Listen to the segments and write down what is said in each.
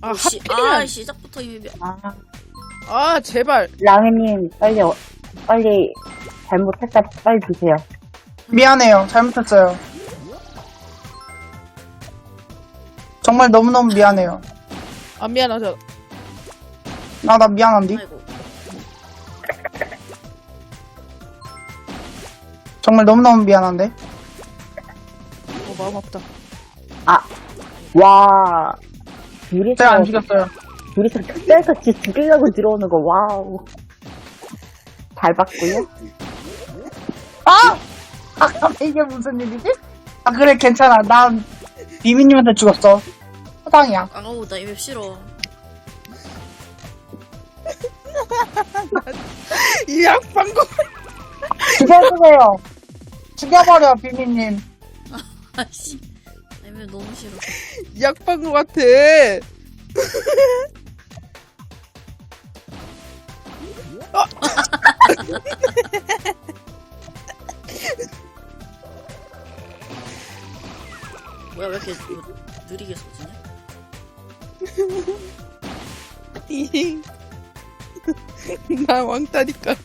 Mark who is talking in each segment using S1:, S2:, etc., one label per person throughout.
S1: 아,
S2: 아, 시작부터 이미
S1: 아, 제발.
S3: 랑이님, 빨리 잘못했다, 빨리 주세요.
S4: 미안해요. 잘못했어요. 정말 너무너무 미안해요.
S1: 안 미안하죠.
S4: 나 미안한디?
S2: 아이고.
S4: 정말 너무너무 미안한데?
S1: 마음 아프다.
S3: 와,
S4: 제가 안 죽였어요.
S3: 둘이서 특별같이 죽이려고 들어오는 거, 와우. 잘 봤고요.
S4: 이게 무슨 일이지? 아, 그래, 괜찮아. 난 비미님한테 죽었어. 허당이야.
S2: 아우, 나 이맵 싫어.
S1: 이 약방구.
S4: 죽여주세요. 죽여버려, 비미님.
S2: 아씨. 이맵 너무 싫어.
S1: 약방구 같아.
S2: 뭐야, 왜 이렇게 느리게 쏘지냐?
S1: 나 왕따니까.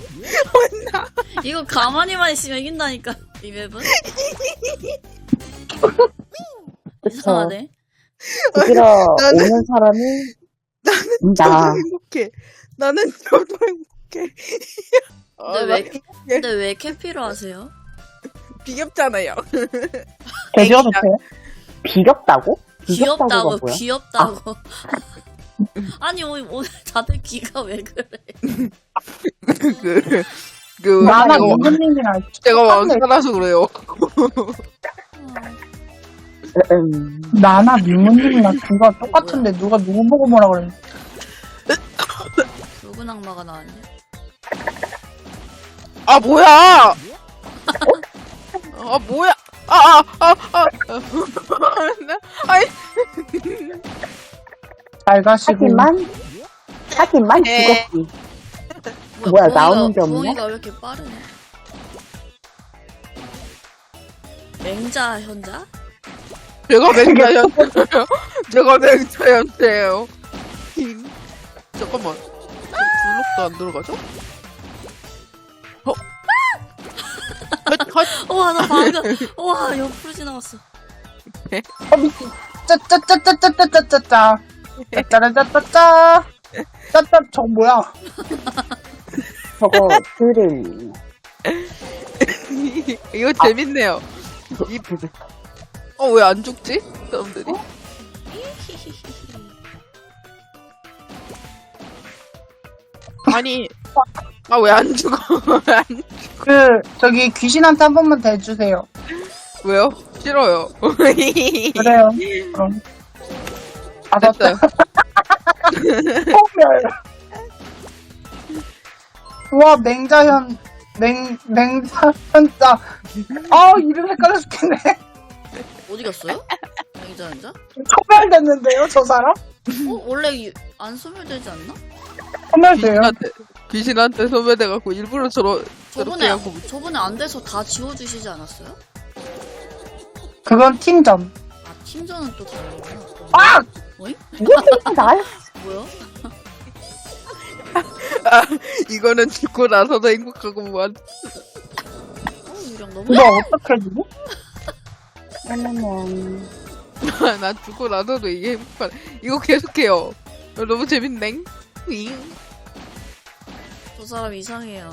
S2: 이거 가만히만 있으면 이긴다니까, 이 맵은?
S3: 그쵸.
S2: 이상하네.
S3: 죽이러
S1: 나는-
S3: 오는 사람이,
S1: 저도
S3: 나.
S1: 행복해. 나는 저도 행복해.
S2: 근데 왜 캐피로 하세요?
S1: 비겹잖아요.
S4: 개지어도 돼요?
S3: 비겹다고?
S2: 귀엽다고,
S3: 뭐야?
S2: 귀엽다고. 아니, 오늘 다들 귀가 왜 그래?
S4: 나나
S1: 제가,
S4: 민준님이랑
S1: 제가 왕따라서 그래요.
S4: 나나 민문님이랑 귀가 똑같은데 누가 누구 보고 뭐라 그래?
S2: 붉은 악마가 나왔네.
S1: 아, 뭐야! 아, 뭐야! 아이,
S4: 잘 가시고.
S3: 하지만
S1: 네.
S3: 죽었지. 뭐야, 나오는 게 없네?
S2: 부엉이가 왜 이렇게 빠르네? 맹자 현자?
S1: 제가 맹자였어요. 제가 맹자였어요. 잠깐만. 블록도 안 들어가죠?
S2: 우와, 나 방금, 우와, 옆으로 지나갔어.
S4: 미친. 짜짜짜짜짜짜짜짜. 짜짜짜짜짜. 짜짜, 저거 뭐야?
S3: 저거, 드릴.
S1: 이거 재밌네요. 왜 안 죽지? 사람들이? 아니, 왜 안 죽어?
S4: 저기 귀신한테 한 번만 더 해주세요.
S1: 왜요? 싫어요.
S4: 그래요. 그럼.
S1: 됐어요.
S4: 우와, 맹자현자. 이름 헷갈려 죽겠네.
S2: 어디 갔어요? 맹자 현자?
S4: 소멸됐는데요, 저 사람?
S2: 원래 안 소멸되지 않나?
S4: 소멸돼요.
S1: 귀신한테 소멸돼갖고 일부러 저렇게 하고.
S2: 저번에 안 돼서 다 지워주시지 않았어요?
S4: 그건 팀전.
S2: 아, 팀전은 또 다르구나.
S4: 아!
S2: 어이?
S3: 나야?
S2: 뭐야?
S1: 이거는 죽고 나서도 행복하고 뭐한.
S2: 유령 너무.
S4: 이거 어떻게 해주고?
S1: 난 죽고 나서도 이게 행복한. 이거 계속해요. 너무 재밌네.
S2: 저 사람 이상해요.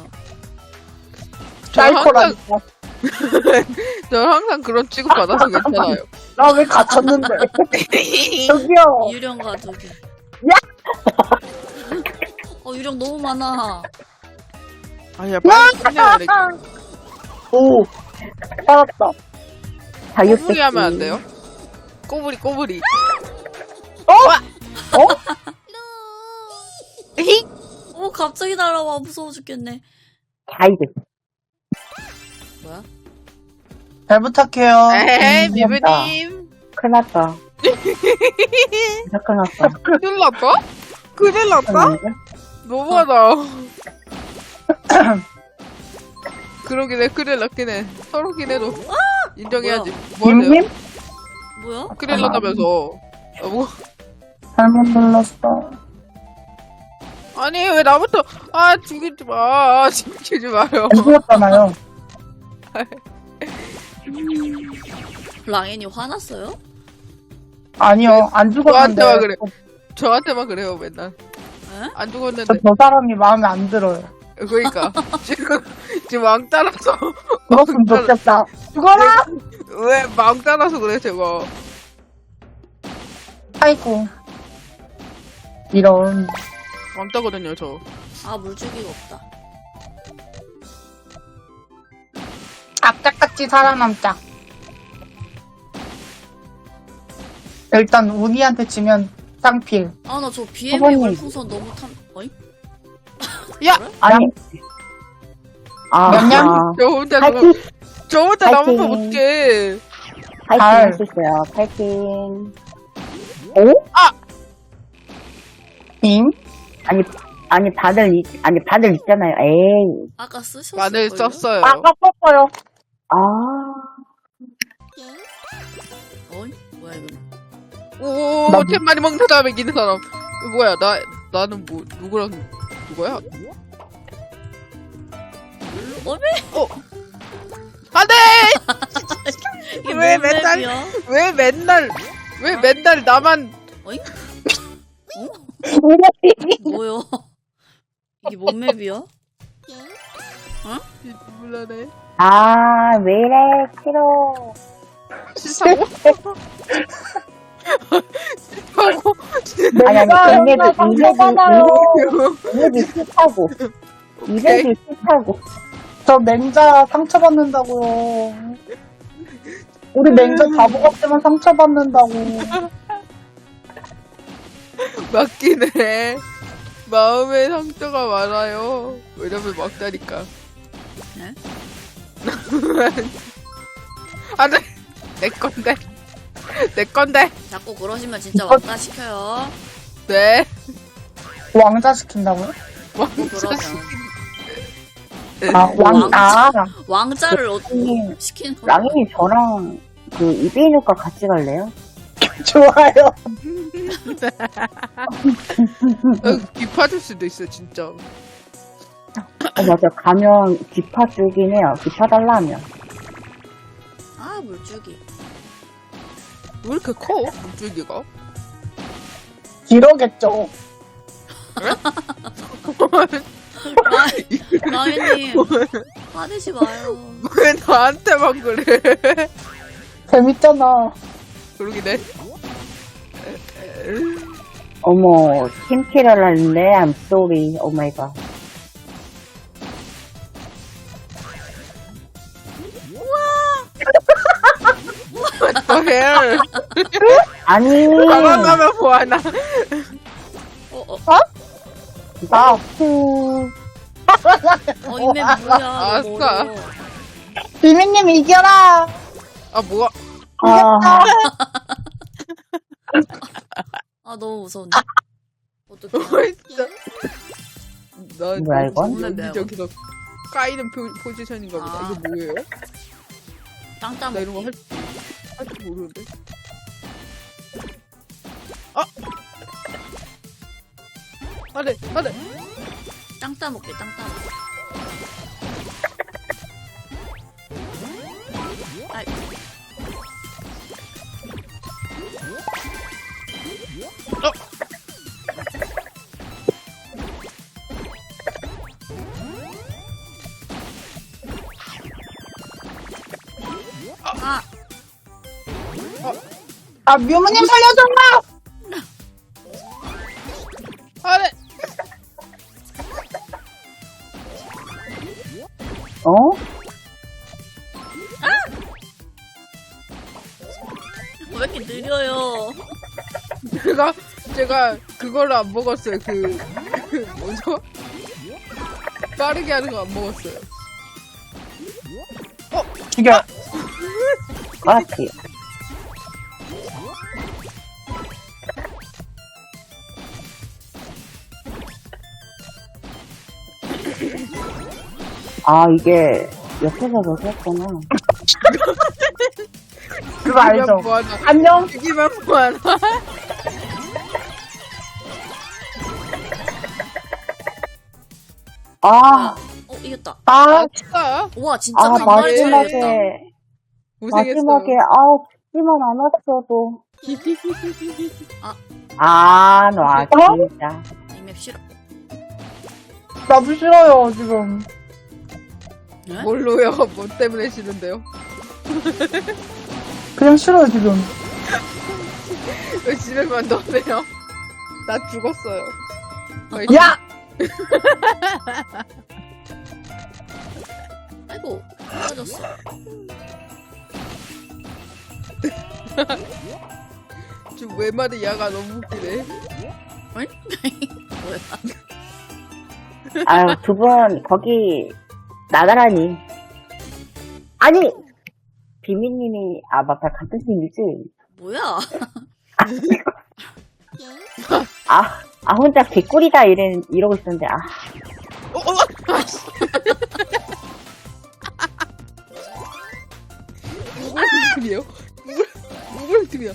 S4: 사이코라니까.
S1: 저 항상 그런 취급 받아서 괜찮아요.
S4: 나 왜 갇혔는데? 저기요.
S2: 유령과 저기. 유령 너무 많아.
S1: 아니야, 빨리 끝내야 돼.
S4: 오. 살았다.
S1: 꼬부리 하면 안 돼요? 꼬부리.
S2: 갑자기 날아와. 무서워 죽겠네.
S3: 자이드.
S2: 뭐야?
S4: 잘 부탁해요.
S1: 에이, 미브님.
S3: 큰일 났다. 진짜 큰일 났다.
S1: 큰일 났다? 너무하다. 그러긴 해, 큰일 났긴 해. 서로긴 해도. 인정해야지. 뭐 하세요?
S4: 김님?
S2: 뭐야?
S1: 큰일 났다면서. 뭐,
S4: 잘못 눌렀어.
S1: 아니 왜 나부터 죽이지 마. 죽이지 마요.
S4: 안 죽었잖아요.
S2: 랑앤이 화났어요?
S4: 아니요, 안 죽었는데.
S1: 저한테만 그래. 저한테만 그래요 맨날.
S2: 에?
S1: 안 죽었는데.
S4: 저 사람이 마음에 안 들어요.
S1: 그러니까 지금 왕 따라서
S4: 죽었으면 좋겠다. 죽어라!
S1: 왜 왕 따라서 그래 저거.
S4: 아이고. 이런.
S1: 왕 따거든요 저.
S2: 아 물주기가 없다.
S4: 악착같이 살아남자. 일단 운이한테 지면 쌍필.
S2: 아 나 저 BM의
S3: 사모님.
S2: 물풍선 너무 어이?
S1: 야!
S4: 아니,
S3: 냠냠. 파이팅!
S1: 저 혼자
S3: 파이팅.
S1: 남으면 어떡해.
S3: 파이팅
S4: 잘.
S3: 할 수 있어요. 파이팅. 오?
S4: 임?
S3: 아니, 다들 있잖아요. 에이.
S2: 아까 쓰셨을
S1: 마늘
S2: 걸요?
S1: 썼어요.
S4: 아까 썼어요.
S3: 아.
S2: 어이? 뭐야 이거?
S1: 오,
S4: 나도.
S1: 템 많이 먹는 다음에 이기는 사람. 이거 뭐야, 나는 뭐, 누구랑, 누구야?
S2: 어메?
S1: 안 돼!
S2: 이게
S1: 왜
S2: 뭔
S1: 맨날-
S2: 맵이야?
S1: 왜 맨날 나만,
S2: 어이? 뭐요? 이게 뭔 맵이야?
S1: 몰라네.
S3: 아, 왜 이래, 싫어.
S1: 싫다고? 싫다고?
S3: 아니,
S4: 내가 상처받아요.
S3: 이맵이 싫다고. 이맵이 싫다고.
S4: 저 맹자 상처받는다고요. 우리 맹자 바보 같지만 상처받는다고.
S1: 맞긴 해. 마음에 상처가 많아요. 왜냐면 막다니까.
S2: 네?
S1: 안 돼! 내 건데. 내 건데.
S2: 자꾸 그러시면 진짜 왕따 시켜요.
S1: 네.
S4: 왕자 시킨다고요?
S2: 그러면 왕자를
S3: 랑님,
S2: 시키는 거.
S3: 랑인이 저랑 이베이누과 같이 갈래요?
S4: 좋아요.
S1: 기파줄 수도 있어, 진짜.
S3: 맞아. 가면 기파 주긴 해요. 기파 달라면.
S2: 아 물주기.
S1: 왜 이렇게 커? 물줄기가?
S4: 기러겠죠.
S2: 랑앤님 화내지 마요.
S1: 왜 나한테만 그래?
S4: 재밌잖아.
S1: 그러긴 해.
S3: 어머, 팀킬을 했네. I'm sorry. 오 마이 갓.
S1: What the hell?
S3: 아니.
S1: 가만 가면 뭐하나?
S4: 아,
S2: 이맵 뭐야?
S1: 아싸.
S2: 너무 어려워.
S4: 비미님 이겨라.
S1: 아, 뭐가?
S3: 아,
S2: 아 너무 무서운데. 어떡해.
S1: 뭐가 있어? 나
S3: 뭐야, 이건?
S1: 여기저기서 까이는 포지션인가 보다.
S2: 아.
S1: 이거 뭐예요?
S2: 땅
S1: 나 이런 거
S2: 따먹기.
S1: 할줄 모르는데. 안 돼, 안 돼.
S2: 땅 따먹기. 땅 따먹기. 아이. 아,
S4: 아, 묘무님 살려줘!
S1: 안 돼.
S3: 어?
S2: 왜 이렇게 느려요?
S1: 제가 그걸 안 먹었어요. 뭐죠? 빠르게 하는 거 안 먹었어요.
S4: 죽여.
S3: 그렇지. 아, 이게 옆에서 넣었구나.
S4: 그거 알죠?
S1: 뭐하나.
S4: 안녕.
S1: 죽이면 뭐하나.
S3: 아,
S2: 이겼다.
S4: 아,
S1: 진짜?
S2: 와, 진짜
S3: 아,
S2: 간만에 잘했다.
S3: 마지막에,
S1: 고생했어요.
S3: 죽지만 않았어도. 놔, 진짜.
S2: 이맵 싫어.
S4: 나도 싫어요, 지금.
S2: 네?
S1: 뭘로요? 뭐 때문에 싫은데요?
S4: 그냥 싫어요, 지금.
S1: 왜 집에만 넣으세요? 나 죽었어요.
S4: 야!
S2: 아이고, 떨어졌어.
S1: 지금 외마디 야가 너무 웃기네.
S2: 뭐야?
S3: 아유, 두 분, 거기, 나가라니. 아니! 비미님이, 맞다, 같은 팀이지?
S2: 뭐야?
S3: 혼자 개꿀이다, 이러고 있었는데,
S1: 아씨. 누구랑 팀이에요? 누구랑 팀이야?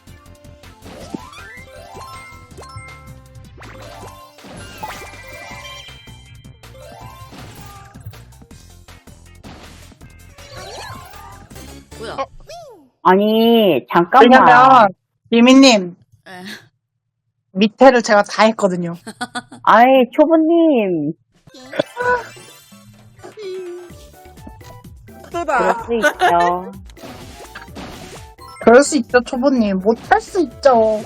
S2: 뭐야?
S3: 아니, 잠깐만.
S4: 왜냐면, 비미님,
S2: 에.
S4: 밑에를 제가 다 했거든요.
S3: 아이, 초보님. 그럴
S1: 또다.
S3: 수 있죠.
S4: 그럴 수 있죠, 초보님. 못할 수 있죠.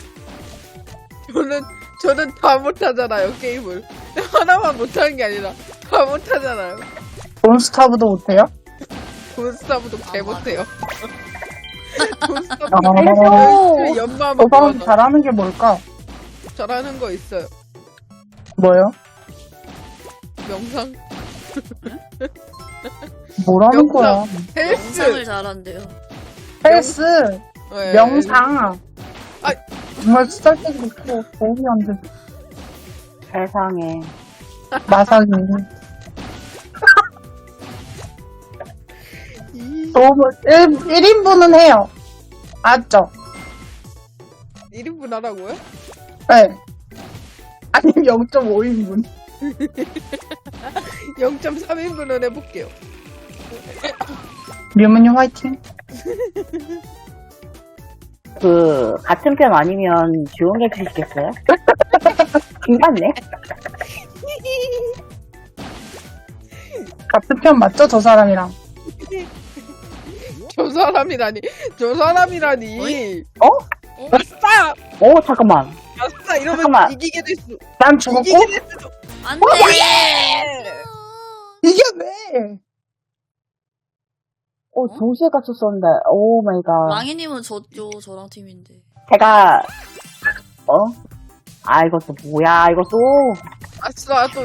S1: 저는 다 못하잖아요, 게임을. 하나만 못하는 게 아니라 다 못하잖아요.
S4: 몬스타브도 못해요?
S1: 돈스타브도 개 못해요.
S4: 아,
S1: 돈스타브 연마
S4: 저 사람
S1: 먹고
S4: 잘하는 게 뭘까?
S1: 잘하는 거 있어요.
S4: 뭐요?
S1: 명상,
S4: 뭐라는
S1: 명상.
S4: 거야?
S2: 영상을
S1: 헬스,
S2: 잘한대요.
S4: 헬스,
S1: 네.
S4: 명상.
S1: 아.
S4: 정말 쓰잘데기 없고 도움이 안 돼.
S3: 세상에.
S4: 마사지.
S1: 이
S4: 도움을, 1인분은 해요. 맞죠?
S1: 1인분 하라고요?
S4: 네. 아니면 0.5인분.
S1: 0.3인분은 해볼게요.
S4: 류문님 화이팅.
S3: 같은 편 아니면 조용히 해주시겠어요? 킹받네.
S4: 같은 편 맞죠? 저 사람이랑.
S1: 저 사람이라니.
S3: 어?
S1: 아싸!
S3: 잠깐만.
S1: 아싸! 이러면
S3: 잠깐만.
S1: 이기게 됐어.
S4: 난 죽었고?
S1: 이기게 됐어.
S2: 안 돼!
S4: 이게 왜?
S3: 동시에 갇혔었는데, 오 마이 갓.
S2: 망이님은 저랑 팀인데.
S3: 제가, 이것도 뭐야, 이것도.
S1: 아싸, 또.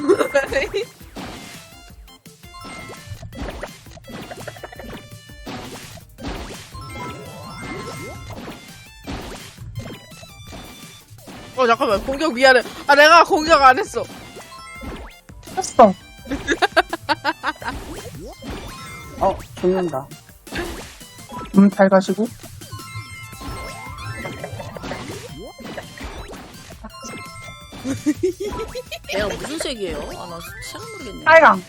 S1: 잠깐만. 공격 미안해. 내가 공격 안 했어.
S4: 했어.
S3: 죽는다.
S4: 잘 가시고.
S2: 내가 무슨 색이에요? 나 잘 모르겠네.
S4: 빨강.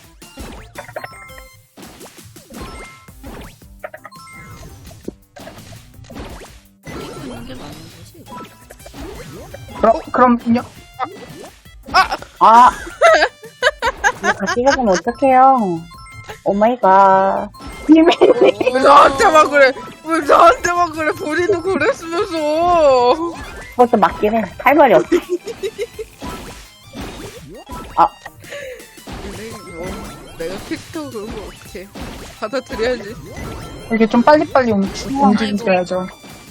S2: 이거 있는 게 맞는 거지?
S4: 그럼요.
S3: 이거 같이 가면 어떡해요. 오 마이 갓.
S1: 왜 나한테만 그래? 왜 나한테만 그래? 본인도 그랬으면서.
S3: 그것도 맞긴 해. 할 말이 없어.
S1: 내가 캐릭터 그런 거 어떡해. 받아들여야지.
S4: 이렇게 좀 빨리빨리 움직이셔야죠.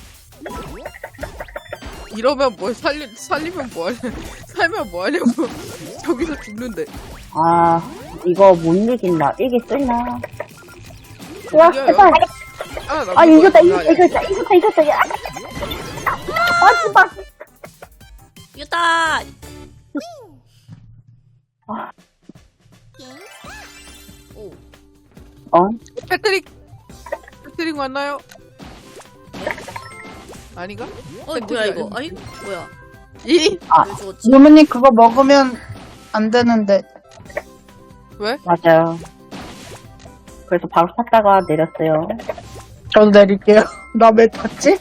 S1: 이러면 뭘 살리면 뭐하냐. 살면 뭐하냐고. 저기서 죽는데.
S3: 이거 못 이긴다. 이길 수 있나? 와,
S1: 이겨요.
S3: 제발. 이겼다. 야. 제발.
S2: 이겼다! 오.
S1: 패트릭 맞나요? 아닌가?
S2: 뭐야, 이거? 아니, 뭐야.
S1: 이?
S2: 왜 죽었지?
S4: 류문님 그거 먹으면 안 되는데.
S1: 왜?
S3: 맞아요. 그래서 바로 탔다가 내렸어요.
S4: 저도 내릴게요. 나 왜 탔지?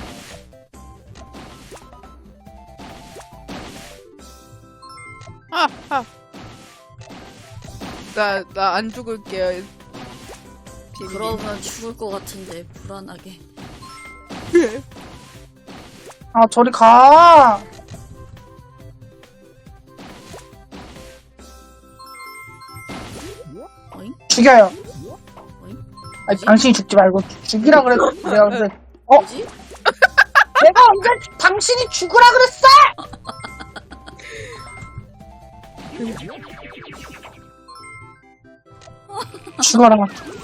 S1: 나 안 죽을게요. 비밀.
S2: 그러면 죽을 것 같은데 불안하게.
S4: 아, 저리 가.
S2: 어잉?
S4: 죽여요.
S2: 어잉?
S4: 아니, 당신이 죽지 말고 죽이라 그랬어. 내가 근데
S2: 뭐지?
S4: 내가 언제 당신이 죽으라 그랬어? 죽어라.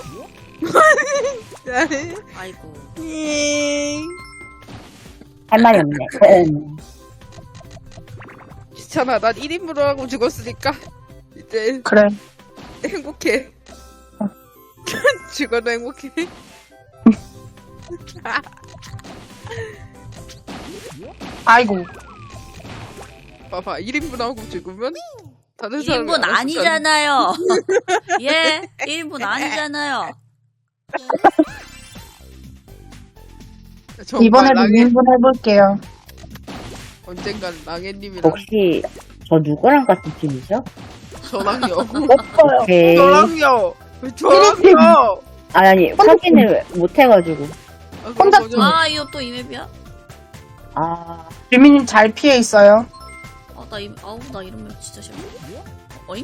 S2: 아이고.
S3: 할 말이 없네.
S1: 귀찮아. 난 1인분을 하고 죽었으니까 이제
S4: 그래.
S1: 행복해. 죽어도 행복해.
S4: 아이고.
S1: 봐봐. 1인분 하고 죽으면 다른 사람이
S2: 1인분
S1: 알아서
S2: 아니잖아요. 예? 1인분 아니잖아요.
S1: 정말
S4: 이번에도
S1: 랑해,
S4: 2인분 해볼게요.
S1: 언젠간 랑해님이랑
S3: 혹시 저 누구랑 같은 팀이죠?
S1: 저랑요.
S4: 없어요.
S3: 오케이.
S1: 저랑요. 저랑요.
S3: 아니, 확인을 못 해가지고.
S4: 혼자
S1: 그럼 먼저
S2: 아, 이거 또 이맵이야?
S3: 아,
S4: 유미님 잘 피해 있어요.
S2: 아, 나 이런 맵 진짜 싫어. 어잉?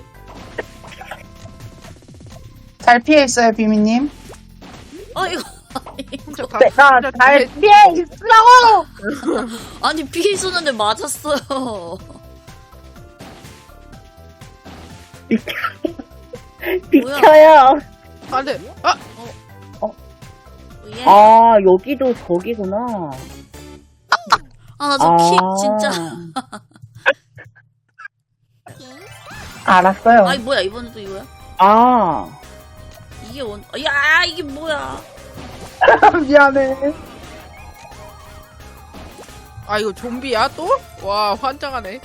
S4: 잘 피해 있어요, 비미님.
S2: 아, 이거.
S1: 혼자 가.
S4: 내가
S1: 혼자
S4: 잘
S1: 해.
S4: 피해 있으라고!
S2: 아니, 피해 쏘는데 맞았어요.
S3: 비켜요.
S1: 안 돼.
S2: 예?
S3: 아, 여기도 저기구나.
S2: 아, 나 저 킥, 진짜.
S4: 알았어요.
S2: 아니, 뭐야, 이번엔 또 이거야?
S3: 아,
S2: 이게 야, 이게 뭐야?
S4: 미안해.
S1: 아 이거 좀비야 또? 와 환장하네.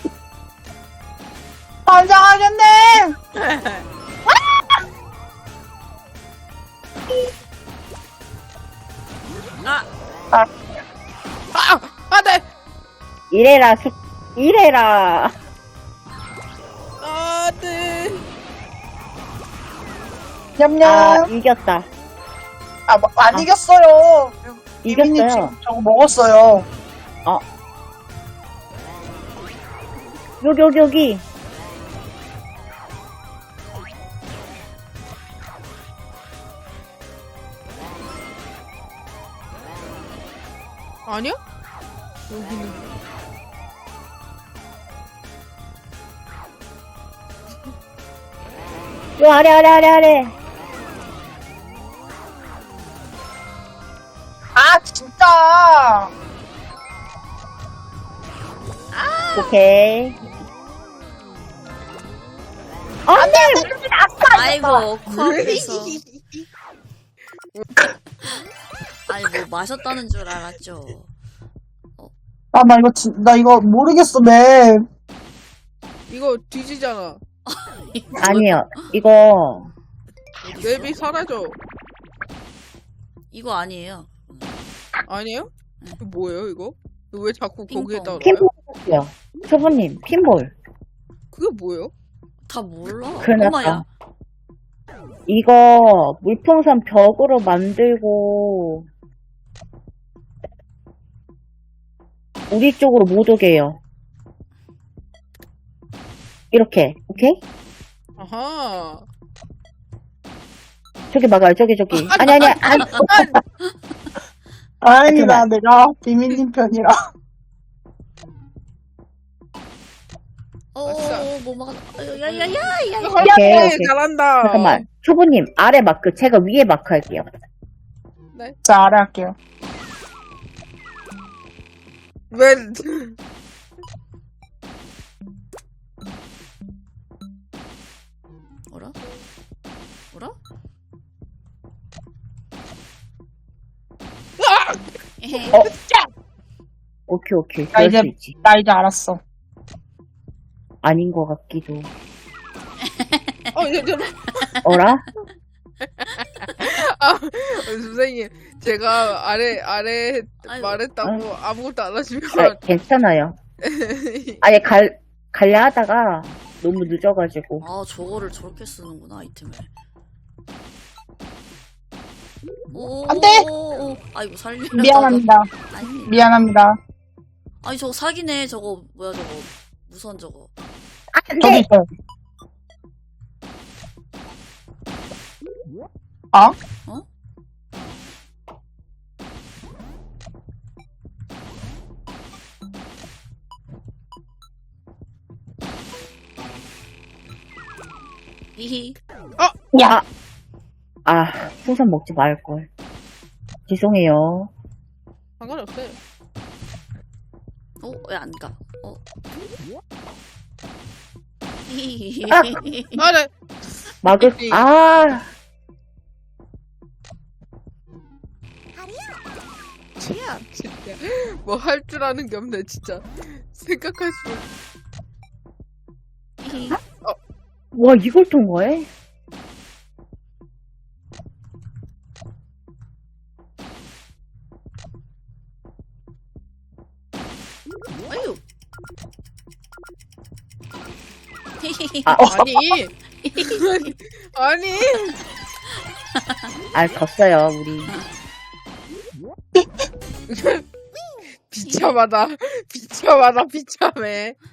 S4: 환장하겠네!
S2: 아,
S1: 안돼.
S3: 이래라.
S1: 안돼.
S4: 냠냠.
S3: 아, 이겼다.
S4: 안 이겼어요. 비미님
S3: 이겼어요.
S4: 지금 저거 먹었어요.
S3: 여기.
S1: 아니야? 여기는
S3: 요 아래.
S4: 아, 진짜.
S3: 오케이. 안 돼!
S2: 아이고, 코앞에서. 아니, 뭐, 마셨다는 줄 알았죠.
S4: 아, 나 이거 모르겠어, 맵.
S1: 이거 뒤지잖아.
S3: 아니요. 이거,
S1: 맵이 사라져.
S2: 이거 아니에요.
S1: 아니에요? 이거 뭐예요 이거? 이거 왜 자꾸
S2: 핑퐁.
S1: 거기에다 놔요?
S3: 핀볼이요. 초보님, 핀볼.
S1: 그게 뭐예요?
S2: 다 몰라.
S3: 큰일
S2: 엄마야.
S3: 났다. 이거, 물풍선 벽으로 만들고, 우리 쪽으로 못 오게 해요. 이렇게, 오케이?
S1: 아하.
S3: 저기 막아요, 저기. 아니.
S4: 아니다, 내가 비미님 편이라.
S1: 아싸.
S2: 뭐 막아. 야야야야.
S3: 오케이.
S1: 잘한다.
S3: 잠깐만. 초보님, 아래 마크, 제가 위에 마크 할게요.
S4: 자, 아래 할게요.
S1: 왜?
S2: 뭐라? 에헤.
S3: 오케이.
S4: 나
S3: 그럴
S4: 이제-
S3: 수 있지.
S4: 나 이제 알았어.
S3: 아닌 것 같기도. 어라?
S1: 선생님, 제가 아래
S2: 아이고.
S1: 말했다고 아무것도 안 하시면.
S3: 괜찮아요. 아니, 갈려 하다가 너무 늦어가지고.
S2: 아, 저거를 저렇게 쓰는구나, 아이템을. 오,
S4: 안 돼!
S2: 아이고, 살려.
S4: 미안합니다.
S2: 아니,
S4: 미안합니다.
S2: 아니, 저거 사기네, 저거. 뭐야, 저거. 무선 저거.
S3: 안
S4: 저도
S3: 돼!
S4: 있어요. 어?
S2: 어? 히히.
S3: 야! 풍선 먹지 말걸. 죄송해요.
S1: 상관이 없어요.
S2: 왜 안 가? 히히히.
S1: 네.
S3: 막을,
S2: 치야.
S1: 진짜 뭐 할 줄 아는 게 없네 진짜. 생각할수록.
S2: 히히.
S3: 와, 이걸 통과해?
S2: 아유. 히히히.
S1: 아니. 아니.
S3: 졌어요, 우리.
S1: 비참해.